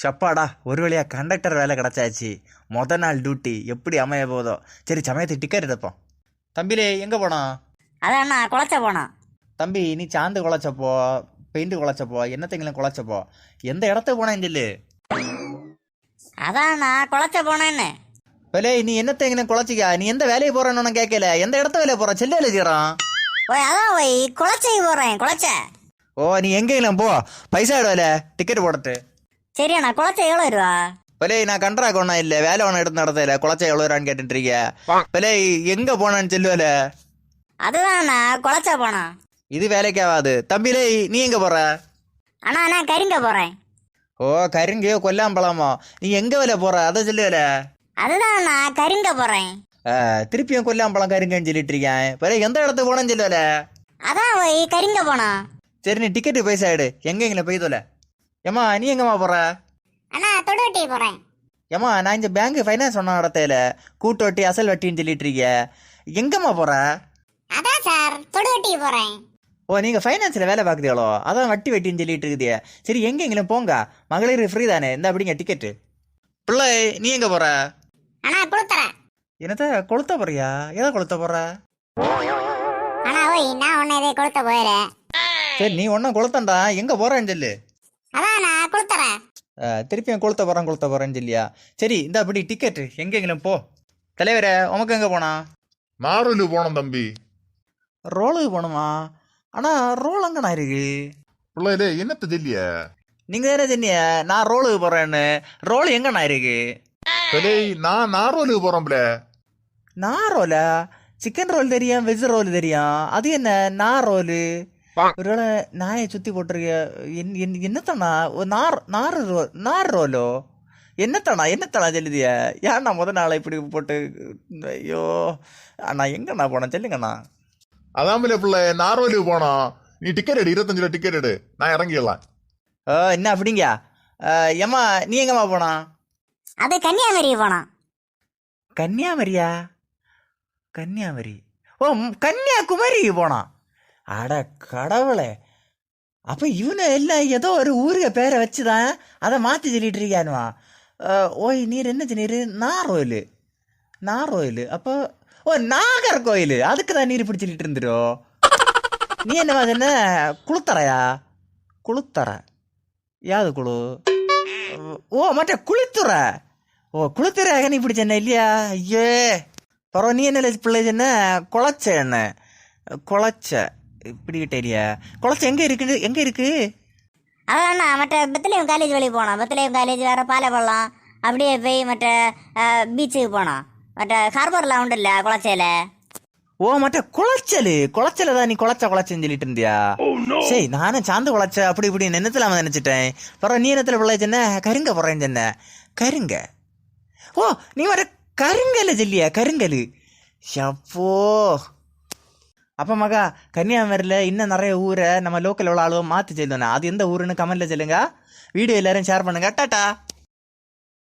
சப்பாடா ஒரு வழியாக கண்டக்டர் வேலை கிடச்சாச்சு. நாள் டியூட்டி எப்படி அமைய போதோ. சரி சமயத்துக்கு டிக்கெட் எடுப்போம். தம்பிலே எங்கே போனோம்? அதான் நான் குளச்ச போனோம். தம்பி நீ சாந்து குழச்சப்போ, பெயிண்ட் குழச்சப்போ, என்னத்தைங்களும் குழச்சப்போ, எந்த இடத்துக்கு போனேன்னு சொல்லு. அதான் நான் குளச்ச போனேன்னு. பலே நீ என்னத்தைங்களும் குழச்சிக்கா? நீ எந்த வேலையை போறேன்னு கேட்கல. எந்த இடத்த வேலையை போற? செல்ல வேலை செய்யறான். ஓய் அதான் ஓய் குளச்சை போறேன். குளச்ச. ஓ நீ எங்கேயும் போ, பைசா எடுவல டிக்கெட் போடட்டு. சரியா நான் குளச்ச எவ்வளோ ரூபா? பலே நான் கண்ட்ராக்ட் ஒன்றும் இல்லை, வேலை ஒன்று எடுத்து நடத்தல. குழச்சா எவ்வளோ ரூபான்னு கேட்டுட்டு இருக்க. பலே எங்க போனான்னு சொல்லுவல. அதுதான் நான் குளச்ச போனோம். இது வேலைக்கு ஆகாது. தம்பிலே நீ எங்க போற? அண்ணா நான் கரிங்க போறேன். ஓ கருங்கையோ கொல்லாம்பழமோ, நீ எங்க வேலை போற அதை சொல்லுவல. அதுதான் நான் கரிங்க போறேன். திருப்பியும் கொல்லாம்பழம் கருங்கன்னு சொல்லிட்டு இருக்கேன். பலே எந்த இடத்துக்கு போனேன்னு சொல்லுவல. அதான் ஓய் கரிங்க போனோம். சரி நீ டிக்கெட்டு பைசா எடு, எங்கெங்களை போய் தொலை. ஏம்மா நீ எங்கம்மா போற? அண்ணா தொடுவட்டி போறேன். ஏம்மா நான் இந்த பேங்க் ஃபைனான்ஸ் ஒன்றும் நடத்தையில, கூட்டு வட்டி அசல் வட்டின்னு சொல்லிட்டு இருக்க. எங்கம்மா போற? அதான் சார் தொடுவட்டி போறேன். ஓ நீங்க ஃபைனான்ஸ்ல வேலை பார்க்குறீங்களோ, அதான் வட்டி வட்டின்னு சொல்லிட்டு இருக்குதே. சரி எங்கெங்களும் போங்க, மகளிர் ஃப்ரீ தானே, இந்த அப்படிங்க டிக்கெட்டு. பிள்ளை நீ எங்க போற? அண்ணா கொடுத்துறேன். என்னத்த கொளுத்த போறியா? எதை கொளுத்த போற? அண்ணா ஓய் நான் உன்னை இதை கொடுத்த போயிடுறேன். சரி நீ ஒன்றும் கொளுத்தண்டா, எங்க போறேன்னு சொல்லு. அதான் நான் கொடுத்துறேன். திருப்பியும் கொளுத்த போறேன்னு சொல்லியா? சரி இந்த அப்படி டிக்கெட்டு எங்கெங்களும் போ. தலைவரே உமக்கு எங்க போனா? நாரலு போனோம் தம்பி. ரோலுக்கு போகணுமா? ஆனா ரோல் அங்கண்ணா இருக்கு. பிள்ளையிலே என்னத்த சொல்லிய? நீங்க தானே சொன்னீங்க நான் ரோலுக்கு போறேன்னு. ரோல் எங்கண்ணா இருக்கு? நான் நாரோலுக்கு போறோம்ல. நான் ரோலா? சிக்கன் ரோல் தெரியும், வெஜ் ரோல் தெரியும், அது என்ன நான் ரோலு? ஒருவேளை நாயை சுத்தி போட்டிருக்க. என்னத்தானா நார் ரோலோ? என்னத்தானா சொல்லுதிய? ஏன்னா நாளை இப்படி போட்டு. ஐயோ அண்ணா எங்கண்ணா போனேன் சொல்லுங்கண்ணா. அதாமல பிள்ளை நாரோலுக்கு போனோம். நீ டிக்கெட் எடு, 25 ரூபா டிக்கெட் எடு, நான் இறங்கிடலாம். என்ன அப்படிங்க? ஏம்மா நீ எங்கம்மா போனா? அது கன்னியாகுமரி போனோம். கன்னியாகுமரியா? கன்னியாகுமரி? ஓ கன்னியாகுமரி போனான். அட கடவுளே, அப்போ இவனை எல்லாம் ஏதோ ஒரு ஊருக்கு பேரை வச்சுதான் அதை மாற்றி சொல்லிட்டு இருக்கானுவா. ஓய் நீர் என்ன சொன்னீர்? நாரோயில். அப்போ ஓ நாகர்கோயில், அதுக்கு தான் நீர் இப்படி சொல்லிட்டு இருந்துரோ. நீ என்னவா என்ன குளுத்தரையா? குளுத்தரை யாது குழு? ஓ மற்ற குளித்துறை. ஓ குளித்துறையாக நீ இப்படி சொன்ன இல்லையா? ஐயே பரவ நீ என்ன பிள்ளை சொன்ன? குளச்ச என்ன குளச்ச இப்படி கிட்டேரியா? குளச்ச எங்கே இருக்கு? அதான் மற்ற பெத்லேயம் காலேஜ் வழி போனோம். பெத்லேயம் காலேஜ் வேற பாலப்பள்ளம் அப்படியே போய் மற்ற பீச்சுக்கு போனோம். மற்ற ஹார்பர்லாம் உண்டு இல்லை குளச்சையில். ஓ மற்ற குளச்சல தான் நீ குளச்சன்னு சொல்லிட்டு இருந்தியா? சரி நானும் சாந்து குளச்ச அப்படி இப்படி நினைத்தலாம நினைச்சிட்டேன். பரவ நீ என்னத்துல பிள்ளை சொன்ன? கருங்க போறேன்னு சொன்ன. கருங்க? ஓ நீ வர கருங்கல் சொல்லியா? கருங்கல் ஷப்போ. அப்போ மகா கன்னியாகுமரியில் இன்னும் நிறைய ஊரை நம்ம லோக்கல் எவ்வளோ ஆளுவோ மாற்றி சொல்லுவேன். அது எந்த ஊருன்னு கமெண்ட்டில் சொல்லுங்க. வீடியோ எல்லாரும் ஷேர் பண்ணுங்க. டாட்டா.